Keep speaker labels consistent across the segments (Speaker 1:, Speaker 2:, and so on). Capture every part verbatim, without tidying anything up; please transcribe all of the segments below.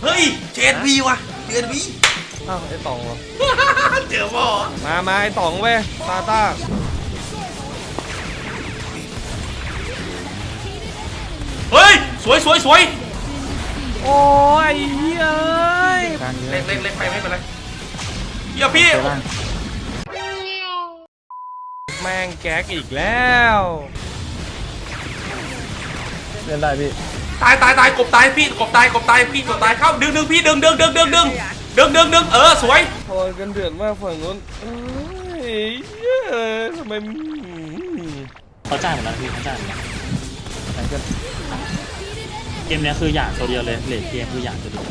Speaker 1: เฮ้ยเจนวีว่ะเจนวี
Speaker 2: อ้าวไอ้ตองเหรอ
Speaker 1: เจอบ่
Speaker 2: มามาไอ้ตองเว้ยตาต้า
Speaker 1: เฮ้ยสวยสวยสวย
Speaker 2: โอ้ยเฮ้ย
Speaker 1: เล็กเล็กเล็กไปไม่เป็นไรเดี๋ยวพี่
Speaker 2: แม่งแก๊กอีกแล้วเล่นได้พี่
Speaker 1: ตายตายตายกบตายพี่กบตายกบตายพี่กบตายเข้าดึงดึงพี่ดึงดึงดึงดึงดึงดึงดึงดึงเออสวย
Speaker 2: พอกันเดือดมากฝั่งนู้นเอ้ยทำไม
Speaker 3: เขาจ่ายหมดแล้วพี่เขาจ่ายหมดแล้วเกมนี้คืออย่างตัวเดียวเลยเลทเกมคืออย่างตัวเดียว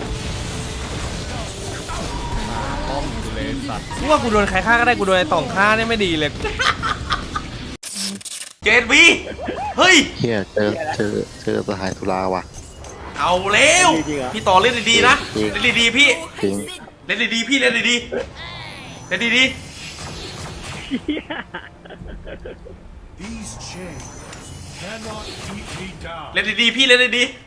Speaker 2: ป้อมกูเลยสัตว์กูว่ากูโดนใครฆ่าก็ได้กูโดนไอ้ต่องฆ่าเนี่ยไม่ดีเลย
Speaker 1: เจนวีเฮ้ย
Speaker 4: เฮียเจอเจอเจอสหายตุลาว่ะ
Speaker 1: เอาแล้วพี่ต่อเล่นดีๆนะเล่นดีๆพี่
Speaker 4: จริง
Speaker 1: เล่นดีๆพี่เล่นดีๆเล่นดีๆเล่นดีๆพี่เล่นดีๆ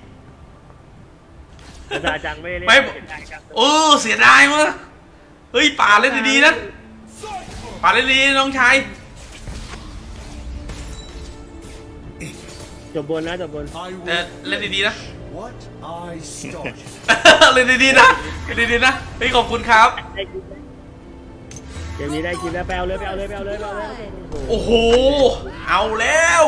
Speaker 3: อาจังไม่เล่น
Speaker 1: ไม่เออเสียดายมั้งเฮ้ยป่าเล่นดีๆนะป่าเล่นดีน้องชาย
Speaker 3: จบบนนะจบบน
Speaker 1: เออเล่นดีๆนะเล่นดีๆนะเล่นดีๆนะเฮ้ยขอบคุณครับ
Speaker 3: เกมนี้ได้กินแล้วแปลเลยแปลเลยแปลเลยแปลเลย
Speaker 1: โอ้โหเอาแล้ว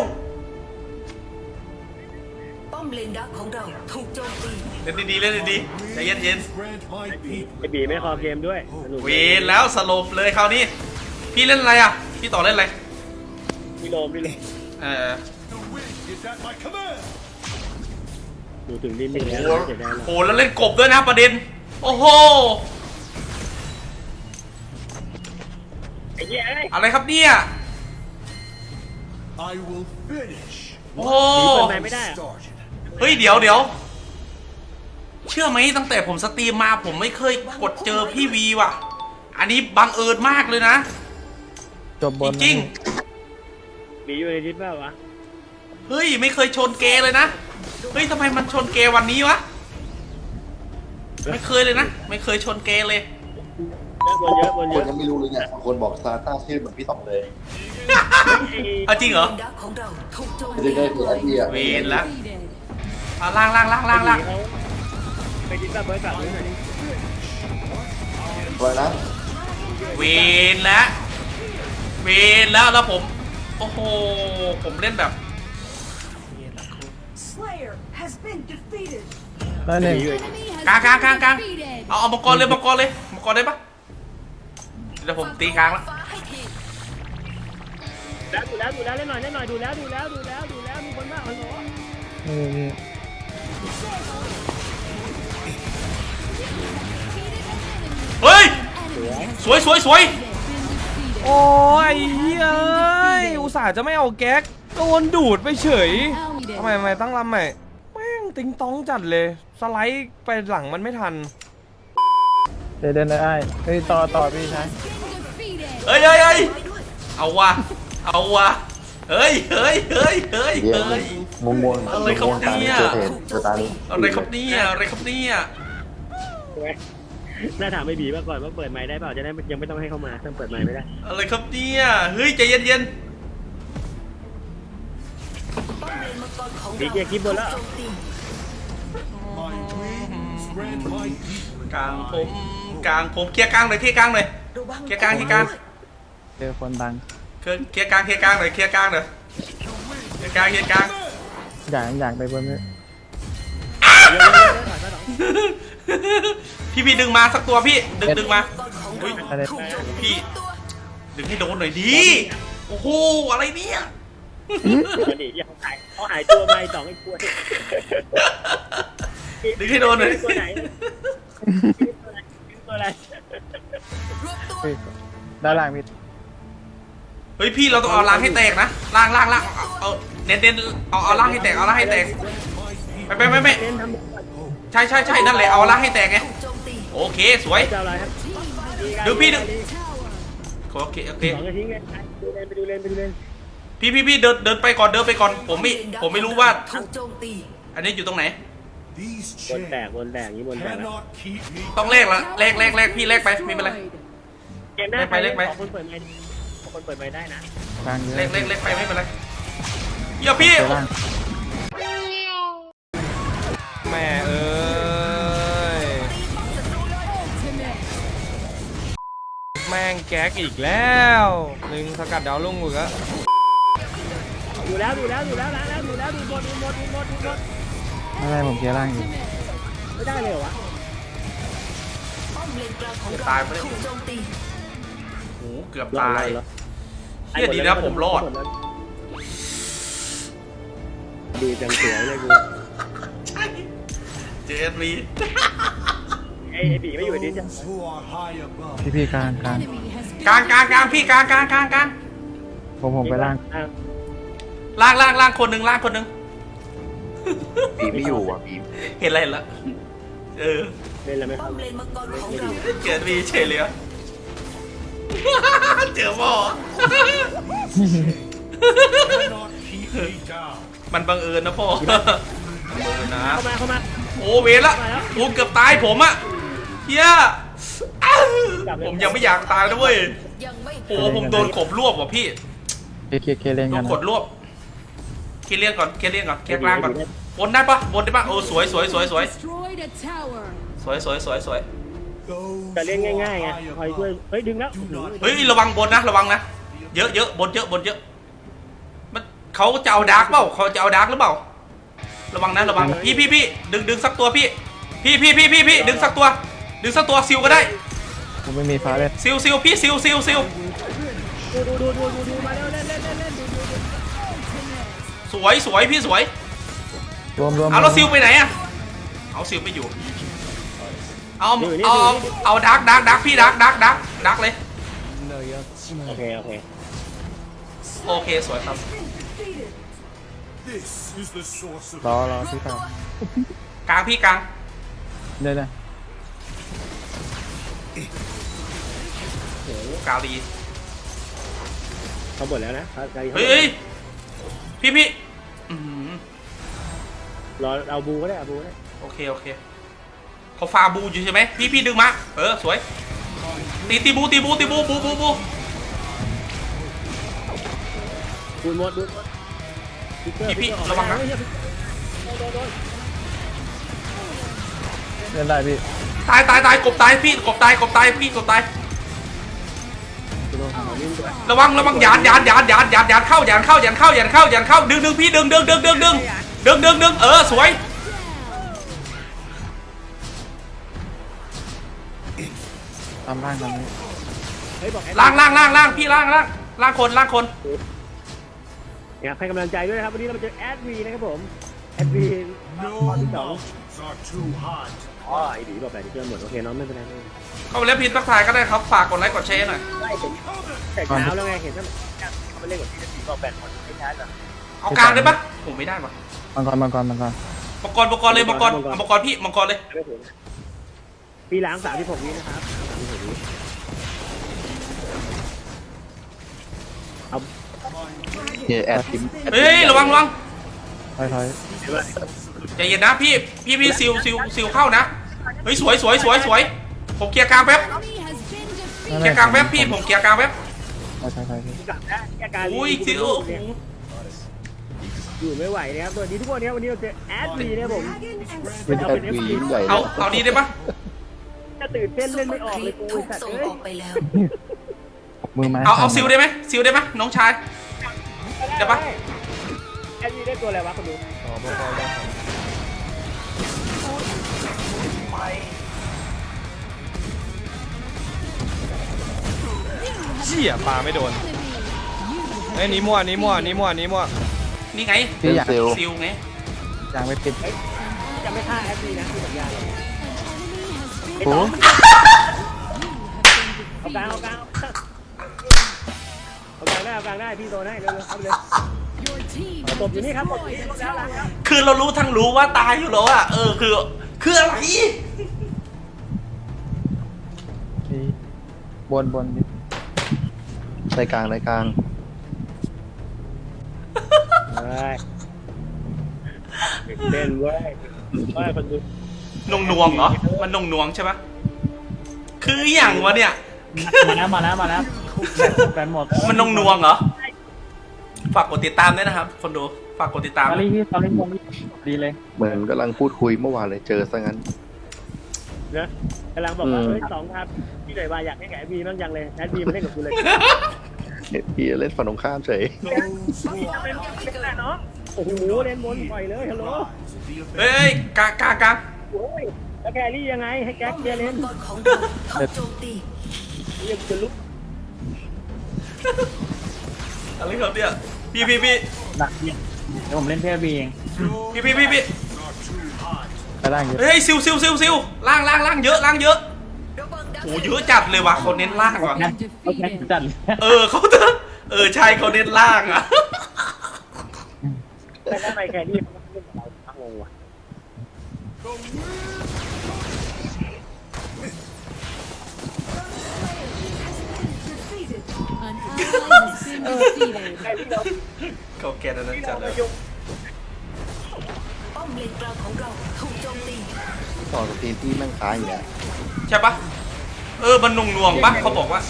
Speaker 5: ป้อมเลนดักของเราถูกโจมตี
Speaker 1: เล่นดีๆเล่นดีๆใจเย็น
Speaker 3: ๆไอบีไม่คอเกมด้วย
Speaker 1: เวรแล้วสลบเลยคราวนี้พี่เล่นอะไรอ่ะพี่ต่อเล่นอะไร
Speaker 3: พี่โลมพี่โลม
Speaker 1: เออ
Speaker 3: ดูถึงดินดินแล้ว
Speaker 1: โอ้แล้วเล่นกบด้วยนะประเด็นโอ้โหอะไรครับเนี่ยโอ้โหเฮ้ยเดี๋ยวเดี๋ยวเชื่อไหมตั้งแต่ผมสตรีมมาผมไม่เคยกดเจอพี่วีว่ะอันนี้บังเอิญมากเลยนะ
Speaker 2: จบบน
Speaker 1: จริง
Speaker 3: มีอยู่ในดิสเปล่าวะ
Speaker 1: เฮ้ยไม่เคยชนเกเลยนะเฮ้ยทำไมมันชนเกวันนี้วะไม่เคยเลยนะไม่เคยชนเกเลย
Speaker 3: บนเยอะบนเย
Speaker 4: คน
Speaker 3: อะ
Speaker 4: ยังไม่รู้เลยเนี่ยคนบอกซาต้าชื่อเหมือนพี่ต๋องเลย
Speaker 1: เอาจริงเหรอ
Speaker 4: จะได้คือไอเดีย
Speaker 1: เวนแล้วเอาล่างล่างล่างล่างล่าง
Speaker 3: ไปดิสแบบบริษัทเลยหน่อยดิ
Speaker 4: อะไรนะ
Speaker 1: เวนแล้วเวนแล้วแล้วผมโอ้โหผมเล่นแบบ
Speaker 2: ได้หนึ่ง
Speaker 1: กลางกลางกลางกลางเอาเอามังกรเลยมังกรเลยมังกรได้ปะเดี๋ยวผมตีกลางแล้ว
Speaker 3: ดูแล้วดูแล้วเล่นหน่อยเล่นหน่อยดูแล้วดูแล้วดูแล้วดูแล้วมีคนมากมันหรอ
Speaker 1: เฮ้ยสวยสวยสวย
Speaker 2: โอ้ยเฮ้ยอุตส่าห์จะไม่เอาแก๊กโดนดูดไปเฉยทำไมทำไมตั้งลำใหม่แม่งติงต้องจัดเลยสไลด์ไปหลังมันไม่ทันเดินเดินได้เฮ้ยต่อต่อพี่ชาย
Speaker 1: เฮ้ยเฮ้ยเฮ้ยเอาวะเอาวะเฮ้ยเฮ้ยเฮ้ยเฮ้ยเฮ้ย
Speaker 4: มุมมน
Speaker 1: อะไรครับเนี่ยอะไรครับเนี่ยอะไรครับเนี่ย
Speaker 3: น่าถามไอ้บีมาก่อนว่าเปิดไมค์ได้เปล่าจะได้ยังไม่ต้องให้เข้ามาต้องเปิดไมค์ไม่ได้
Speaker 1: อะไรครับเนี่ยเฮ้ยใจเย็นเย็น
Speaker 3: บีเกียร์คลิปบนแล้ว
Speaker 1: กลางผมกลางผมเคลียร์กลางเลยเคลียร์กลางเลยเคลียร์กลางเคลียร์กลาง
Speaker 2: เจอคนดัง
Speaker 1: เคลียร์กลางเคลียร์กลางเลยเคลียร์กลางเลยเคลียร์กลางเคลียร์กลาง
Speaker 2: อยากอยากไปบนนี้
Speaker 1: พี่พี่ดึงมาสักตัวพี่ดึงดึงมาพี่ดึงให้โดนหน่อยดิโอ้โหอะไรเนี่ย
Speaker 3: เขาหายเขาหายตัวไปสองไอ้กล้วย
Speaker 1: ดึงให้โดนหน่อย
Speaker 3: ตัวไหนตัวอะไร
Speaker 2: ด้านล่างพี่
Speaker 1: เฮ้ยพี่เราต้องเอาล่างให้แตกนะล่างล่างล่างเอาเน้นเน้นเอาเอาล่างให้แตกเอาล่างให้แตกไม่ไม่ไม่ไม่ใช่ใช่ใช่นั่นแหละเอาล่างให้แตกไงโอเคสวยดูพี่ดูโอเคโอเคพี่พี่พี่เดินเดินไปก่อนเดินไปก่อนผมไม่ผมไม่รู้ว่าอันนี้อยู่ตรงไหน
Speaker 3: บนแตกบนแตกนี้บนแตกแล้ว
Speaker 1: ต้องเลขละเลขเลขเลขพี่เลขไปไม่เป็นไร
Speaker 3: เกมหน้า
Speaker 1: เลขไปเลขไป
Speaker 3: ขอคนเปิดไมค์ขอคนเปิดไมค์ได้นะ
Speaker 6: กลางเยอะ
Speaker 1: เลขเลขเลขไปไม่เป็นไรอย่าพี่
Speaker 6: เจอล่าง
Speaker 2: แม่เอ้ยแม่งแก๊กอีกแล้วหนึ่งสกัดดาวลุ่งอีกแล้ว
Speaker 3: ดูแล้วดูแล้วดูแล้วล้างแล้วดูแล้วดูหมดดูหมดดูหมดดูหมด
Speaker 6: ไม่เป็นไรผมเคลียร์ล่างอยู่
Speaker 3: ไม่ได้เลยเหรอวะ
Speaker 5: ป้อมเลนกลางของเรา
Speaker 1: ตายไปเลย
Speaker 5: ถูกโจมตี
Speaker 1: โอ้โหเกือบ
Speaker 3: รอ
Speaker 1: ตา
Speaker 3: ด
Speaker 1: ย
Speaker 3: รอด
Speaker 1: เฮียดีนะผมรอด
Speaker 3: ดูจังสวยเลยกู
Speaker 1: เจอเอสวี
Speaker 3: ไอ้ไอ้บีไม่อยู่ในนี้จ้ะ
Speaker 6: พี่พี่กลางกลาง
Speaker 1: กลางกลางกลางพี่กลางกลางกลางกลาง
Speaker 6: ผมผมไปล่าง
Speaker 3: อ่ะ
Speaker 1: ล่างล่างล่างคนหนึ่งล่างคนหนึ่ง
Speaker 4: ปีไม่อยู่อ่ะปี
Speaker 1: เห็นอะไรเห็นละเออ
Speaker 3: เล่นแล้วไหมค
Speaker 5: ป้
Speaker 3: รั
Speaker 5: อบ มเลนมังกรของเรา
Speaker 1: เจอเอสวีเฉยเลยอะเจอหมอมันบังเอิญนะพ่อบังเอิญนะ
Speaker 3: เข้ามาเข้ามา
Speaker 1: โอ้เวรละโอ้เกือบตายผมอะเฮียอ้าวผมยังไม่อยากตายนะเว้ย
Speaker 5: ยังไม่
Speaker 1: โอ้ผมโดนขบรวบว่ะพี่
Speaker 6: เคลียร์เคลียร์เคลียร์เล่น
Speaker 1: โด
Speaker 6: กัน
Speaker 1: น
Speaker 6: นะ
Speaker 1: กดรวบเคลียร์เลียนก่อนเคลียร์เลียนก่อนเคลียร์กลางก่อนบนได้ปะบนได้ปะโอ้สวยสวยสวยสวย
Speaker 7: Destroyed a tower.
Speaker 1: สวยสวยสวยสวย
Speaker 3: จะเล่นง่ายๆไงคอยช่วยเฮ้ยดึงแล้ว
Speaker 1: เฮ้ยระวังบนนะระวังนะเยอะเยอะบนเยอะบนเยอะมันเขาจะเอาดาร์กเปล่าเขาจะเอาดาร์กหรือเปล่าระวังนะระวังพี่พี่พี่ดึงดึงสักตัวพี่พี่พี่พี่พี่พี่ดึงสักตัวดึงสักตัวซิลก็ได้
Speaker 6: ผมไม่มีฟ้าเลย
Speaker 1: ซิลซิลพี่ซิลซิลซิล
Speaker 3: ดูดูดูดูดูดูมาเร็วเล่นเล่นเล่นเล่นดูดูดู
Speaker 1: สวยสวยพี่สวย
Speaker 6: รวมรวม
Speaker 1: เอาแล้วซิลไปไหนอะเอาซิลไม่อยู่เอาเอาเอาดาร์กดาร์กดาร์กพี่ดาร์กดาร์กดาร์กดาร์กเลย
Speaker 3: โอเคโอเค
Speaker 1: โอเคสวยครับ
Speaker 6: รอรอพี่กลาง
Speaker 1: กลางพี่กลาง
Speaker 6: เดี๋ยวนะ
Speaker 1: โอ้โหกาลี
Speaker 3: เขาหมดแล้วนะเขาใจเขา
Speaker 1: เฮ้ยเฮ้ยพี่พี่อื้อหือ
Speaker 3: รอเอาบูก็ได้เอาบูก็ได้
Speaker 1: โอเคโอเคเขาฟาบูอยู่ใช่ไหมพี่พี่ดึงมาเออสวยตีตีบูตีบูตีบูบูบูบู
Speaker 3: บูนหมดบูนหมด
Speaker 1: พี่พี่ระวังนะ
Speaker 6: เล่นได้พี่
Speaker 1: ตายตายตายกบตายพี่กบตายกบตายพี่กบตายระวังระวังหยานหยานหยานหยานหยานหยานเข้าหยานเข้าหยานเข้าหยานเข้าหยานเข้าดึงดึงพี่ดึงดึงดึงดึงดึงดึงดึงดึงเออสวย
Speaker 6: ตามล่างกันนี้
Speaker 3: เฮ้ยบอก
Speaker 1: ล่างล่างล่างล่างพี่ล่างล่างล่างคนล่างคน
Speaker 3: อยากให้กำลังใจด้วยนะครับวันนี้เรามาเจอแอดวีนะครับผมแอดวีข้อที่สองอ๋อไอ้บีบอกแบบนี้เจอหมดโอเคน้องไม่เป็นไรไม่เป็นไร
Speaker 1: เข้าไปแล้วพินทักทายก็ได้ครับฝากกดไลค์กดแชร์หน่อย
Speaker 3: ไล่เห็นแต่เช้าแล้วไงเห็นว่าเขาไปเล่นกับที่จะสีบอกแบนคนไม่ใช่เหรอ
Speaker 1: เอากลางได้ปะผมไม่ได้ปะ
Speaker 6: มังกรมังกรมังกร
Speaker 1: มังกรมังกรเลยมังกรเอามังกรพี่มังกรเลย
Speaker 3: ไม่ถึงปีล้างสามที่หกวินะครับสามที่หกวิเอา
Speaker 4: เฮียแอดทิม
Speaker 1: เฮ้ยระวังระวัง
Speaker 6: ถอยถอย
Speaker 3: เดี๋ยวว่า
Speaker 1: ใจเย็นนะพี่พี่พี่ซิลซิลซิลเข้านะเฮ้ยสวยสวยสวยสวยผมเคลียร์กลางแป๊บ
Speaker 7: Enemy has been
Speaker 1: เคลียร์กลางแป๊บพี่ผมเคลียร์กลางแป๊บ
Speaker 6: ถอยถอยถอยพี่
Speaker 3: กลับนะแกการ
Speaker 1: อุ้ยซิล
Speaker 3: อยู่ไม่ไหวนะครับสวัสดีทุกคนนะครับวันนี้เราเจอแอดวีนะครับผม
Speaker 4: เป็นแอดวียิ่งใหญ่
Speaker 1: เอาเอานี้ได้ปะ
Speaker 3: จะตื่นเต้น
Speaker 5: ซุ
Speaker 3: เล่
Speaker 5: ป
Speaker 3: น
Speaker 5: เปอ
Speaker 3: ไม่
Speaker 5: ร์
Speaker 3: ออก
Speaker 5: ค
Speaker 3: เล
Speaker 5: รี
Speaker 3: ย
Speaker 5: ป
Speaker 3: กู
Speaker 5: ถูก
Speaker 3: สัตว์
Speaker 5: ส่ง
Speaker 3: เอ้ย
Speaker 5: ออกไปแล้ว
Speaker 6: มือไม้
Speaker 1: เอาเอาซิลได้ไหมซิลได้ไหมน้องชาย เดี๋ยวปะ
Speaker 3: แอดวีได้ตัวอะไรวะคนดู
Speaker 2: อ๋อพอพอแล้วครับเชี่ยปลาไม่โดนเฮ้ยหนี่มั่วหนี่มั่วหนี่มั่วหนี่มั่ว
Speaker 1: นี่ไง
Speaker 6: พี่อยาก
Speaker 4: เซล
Speaker 1: ซิลไง
Speaker 6: อยากไปปิด
Speaker 3: จะไม่ฆ่าแอดวีนะที่สัญญา
Speaker 6: โอ้
Speaker 3: เอากลางเอากลางเอากลางได้เอากลางได้พี่โดนให้เร็วๆครับเลย
Speaker 7: Your team
Speaker 3: ตบอยู่นี่ครับตบอยู่นี่แล้วล้างครับ
Speaker 1: คือเรารู้ทั้งรู้ว่าตายอยู่แล้วอะเออคือคืออะไร
Speaker 6: พี่บนบนพี่
Speaker 4: ในกลางในกลาง
Speaker 3: เฮ้ยเต้นเว้ยว่าคนดู
Speaker 1: นงนวงเหรอ มันนงนวงใช่ปะคืออย่างวะเนี่ย
Speaker 6: มาแล้วมาแล้วมาแล้วแฟนหมด
Speaker 1: มันนงนวงเหรอ ฝากกดติดตามด้วยนะครับ คนดู ฝากกดติดตาม
Speaker 6: ตอนนี้พี่ตอนนี้มงดีเลย
Speaker 4: เหมือนกำลังพูดคุยเมื่อวานเลยเจอซะงั้น
Speaker 3: นะกำลังบอกว่า
Speaker 4: อืม
Speaker 3: เฮ้ยสองครับพี่หน่อยว่าอยากให้แกแอดบีบ้างยังเลยแอดบีมาเล่นกับกูเลย
Speaker 4: เห็นพี่เล่นฝั่งตรงข้ามเฉย
Speaker 3: เล่นแต่เนาะโอ้โหเล่นบนปล่อยเลยฮัลโหล
Speaker 1: เฮ้ยกากากา
Speaker 3: โอ้ยแล้วแกรี่ยังไงให้แก๊กเกียร์เล่น
Speaker 5: มังกรของเราถูกโจมตี
Speaker 3: เรียกจะลุก
Speaker 1: อะไรครับเนี่ยพี่พี่พี่
Speaker 6: หนักเนี่ยเดี๋ยวผมเล่นเทพบีเอง
Speaker 1: พี่พี่พี่พี่
Speaker 6: ไปล่างเยอะ
Speaker 1: เฮ้ยซิวซิวซิวซิวล่างล่างล่างเยอะล่างเยอะ
Speaker 5: ระวังดัก
Speaker 1: โอ้เยอะจัดเลยว่ะเขาเน้นล่างว่ะ
Speaker 6: นะเขาแค่จัดเลย
Speaker 1: เออเขาเถอะเออใช่เขาเน้นล่างอ่ะ
Speaker 3: แต่ทำไมแกรี่มันเล่นกับเราทั้งงงว่ะ
Speaker 7: An ally has been defeated.
Speaker 3: แกรี่เรา
Speaker 1: เขาแกนอันนั้นจัดเลย
Speaker 5: ป้อมเลนกลางของเราถูกโจมตี
Speaker 4: ต่อสตรีมที่แม่งค้างอย่างเงี้ย
Speaker 1: ใช่ปะเออมันนงนวงปะเขาบอกว่า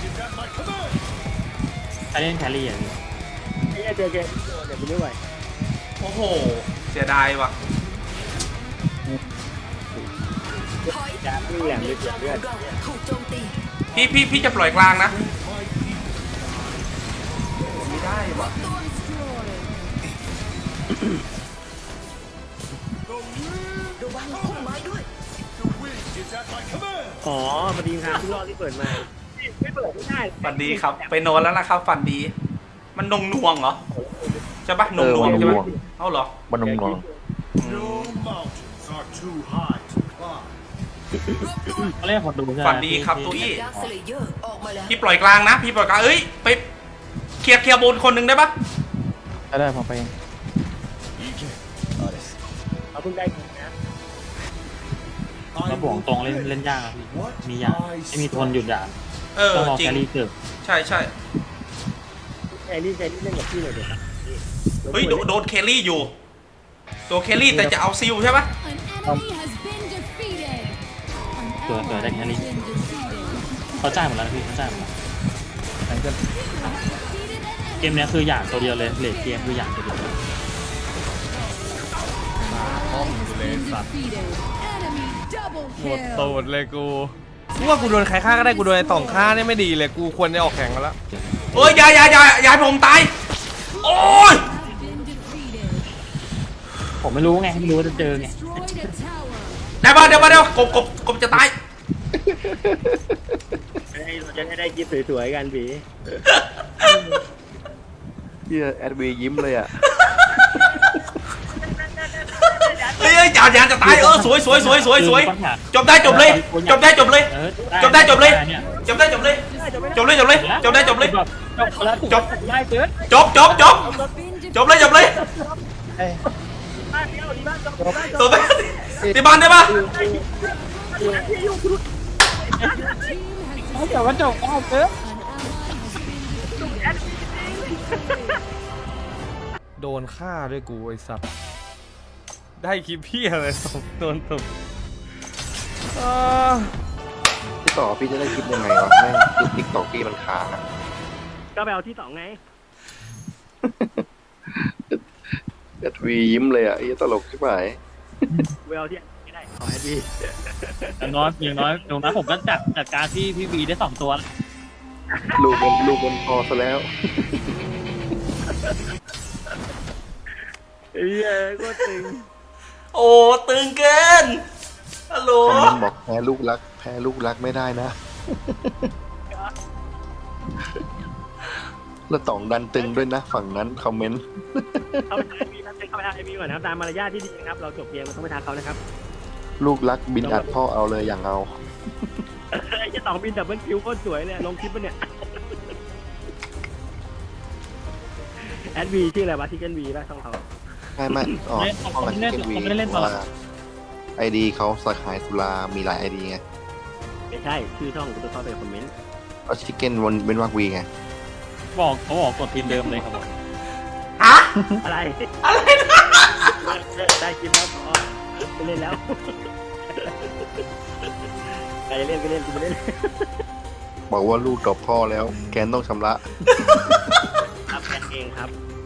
Speaker 6: ใครเล่นแครี่อ่ะพี่
Speaker 3: ไอ้เจอแกเดี๋ยวกูไม่ไหว
Speaker 1: โอ้โหเสียดายว่ะ
Speaker 5: ถอย
Speaker 3: ยาที่แหลม
Speaker 5: เล
Speaker 3: เลย
Speaker 5: นก
Speaker 3: เสีย
Speaker 5: ลางข
Speaker 3: เลือ
Speaker 5: อ
Speaker 3: ด
Speaker 5: งเราถูกโจมตี
Speaker 1: พี่พี่พี่จะปล่อยกลางนะไม่ได้ว่ะ
Speaker 5: ระวังพุ่มไม้ด้วย
Speaker 3: อ๋อพอดีทางทุกรอบที่เปิดมาไม่เปิดไม่ได้
Speaker 1: ฝันดีครับ ไปนอนแล้วนะครับฝันดี มันนงนวงเหรอใช่ปะนงนวงใช่ปะเอ้าเหรอ
Speaker 4: มันนงนอง
Speaker 6: เขาเล่นคนดูใช่ไหม
Speaker 1: ฝันดีครับตุ้ย
Speaker 5: ดักสเลเยอร์ออกมาแล้ว
Speaker 1: พี่ปล่อยกลางนะ พี่ปล่อยกลางเอ้ยไปเคลียร์เคลียร์บนคนหนึ่งได้ปะ
Speaker 6: ได้ได้ผมไปเอง
Speaker 3: เขาเพิ่งได้นะ
Speaker 6: แล้วบวกตรงเล่นเล่นยากอะพี่มียากไม่มีทนหยุดยาก
Speaker 1: เออ
Speaker 6: ต้องรอ
Speaker 1: จริ
Speaker 6: แค
Speaker 1: ง
Speaker 6: รี่เกิด
Speaker 1: ใช่ใช่
Speaker 3: แกรี่แกรี่เล่นกับพี่หน่อยเดี๋ยวครับ
Speaker 1: เฮ้ยโดโดนเคลลี่อยู่ ตัวเคลลี่แต่จะเอาซิลใช่ปะ
Speaker 7: An enemy has been defeated. An
Speaker 6: Rồi, rồi,
Speaker 7: ally
Speaker 6: đánh
Speaker 7: has
Speaker 6: Ellie.
Speaker 7: been defeated.
Speaker 6: เขาจ่ายหมดแล้วนะพี่เขาจ่ายหมดแล้ว
Speaker 7: Defeated an
Speaker 6: เกมเนี้ยคืออย่างตัวเดียวเลยเลทเกมคืออย่างตัวเดียว
Speaker 7: enemy has been defeated. Enemy double
Speaker 2: หมด
Speaker 7: kill.
Speaker 2: ตูดเลยกูกูว่ากูโดนใครฆ่าก็ได้กูโดนไอ้ต่องฆ่าเนี่ยไม่ดีเลยกูควรจะออกแข่งกันแล้ว
Speaker 1: เอ้ยอย่าอย่าอย่าอย่าให้ผมตาย โอ้ย
Speaker 7: Have been defeated.
Speaker 6: ผมไม่รู้ไงไม่รู้ว่าจะเจอไง
Speaker 7: Destroyed a tower.
Speaker 1: ได้ปะเดี๋ยวปะเดี๋ยวกบกบกบจะตาย
Speaker 3: ให้เราจะได้กิฟสวยๆกันผี
Speaker 4: เฮียแอดวียิ้มเลยอ่ะ
Speaker 1: เฮ้ยอย่าอย่าจะตายเออสวยสวยสวยสวยสวยจบได้จบเลย จบได้จบเลย
Speaker 6: เออ
Speaker 1: จบได้จบเลย
Speaker 6: นี่
Speaker 1: จบได้จบเลย จบเลยจบเลยจบได้จบเลย
Speaker 6: จบแล้ว
Speaker 1: จบ
Speaker 6: ได้เกิน
Speaker 1: จบจบจบ
Speaker 7: Been
Speaker 1: จบเลยจบเลย
Speaker 3: บ้านเดียวดีบ้านจบบ้านจ
Speaker 1: จ
Speaker 3: บบ
Speaker 1: ตีบ้านได้ปะ
Speaker 7: defeated. Team has
Speaker 6: เขาเดี๋ยวว่าจบเอาเกิน
Speaker 7: an ally has been defeated.
Speaker 2: โดนฆ่าด้วยกูไอ้สัตว์ได้คลิปพี่อะไรตบโดนตบอ่า
Speaker 4: พี่ต่อพี่จะได้คลิปยังไงวะแม่งคลิปติ๊กต็อกพี่มันค้างอ่ะ
Speaker 3: ก็ไปเอาที่สองไง
Speaker 4: แอดวียิ้มเลยอ่ะไอ้ตลกใช่ไหม
Speaker 3: ไปเอาที่ไม่ได้ขอให้ดี
Speaker 6: อย่างน้อยอย่างน้อยอย่างน้อยผมก็จัดจัดการที่พี่วีได้สองตัวแล้ว
Speaker 4: ลูกมันลูกมันพอซะแล้ว
Speaker 3: เอ้ยก็ตึง
Speaker 1: โอ้ตึงเกินฮัลโหล
Speaker 4: คอมเมนต์บอกแพ้ลูกรัก แพ้ลูกรักไม่ได้นะ แล้วต่องดันตึงด้วยนะ ฝั่งนั้นคอมเมนต์
Speaker 3: เข้าไปทางไอพีครับเข้าไปทางไอพีก่อนนะครับตามมารยาทที่ดีนะครับเราจบเกมเราต้องไปทางเขานะครับ
Speaker 4: ลูกรักบินอัดพ่อเอาเลยอย่างเอา
Speaker 3: ไอ้เจ้าสองบินดับเบิลคิวโคตรสวยเลยลงคลิปปะเนี่ยแอดวีชื่ออะไรวะชิคเก้นวีป่ะช่องเขา
Speaker 4: ไม่ไม่อ๋อห้องมันเกนวีว่าไอดีเขาสาขายสุรามีหลายไอดีไง
Speaker 3: ไม่ใช่ชื่อช่องกูจะเข้าไปคอมเมนต์
Speaker 4: เอาชิคเก้นวนเป็นวักวีไง
Speaker 6: บอกเขาบอกกดทีมเดิมเลยครับผม
Speaker 1: ฮะ
Speaker 3: อะไร
Speaker 1: อะไรนะ
Speaker 3: ได้คลิปแล้วพอไปเล่นแล้วใครจะเล่นก็เล่นกูไม่เล่น
Speaker 4: บอกว่าลูกตอบพ่อแล้ว แกนต้องชำระ
Speaker 3: ครับแกเองครับ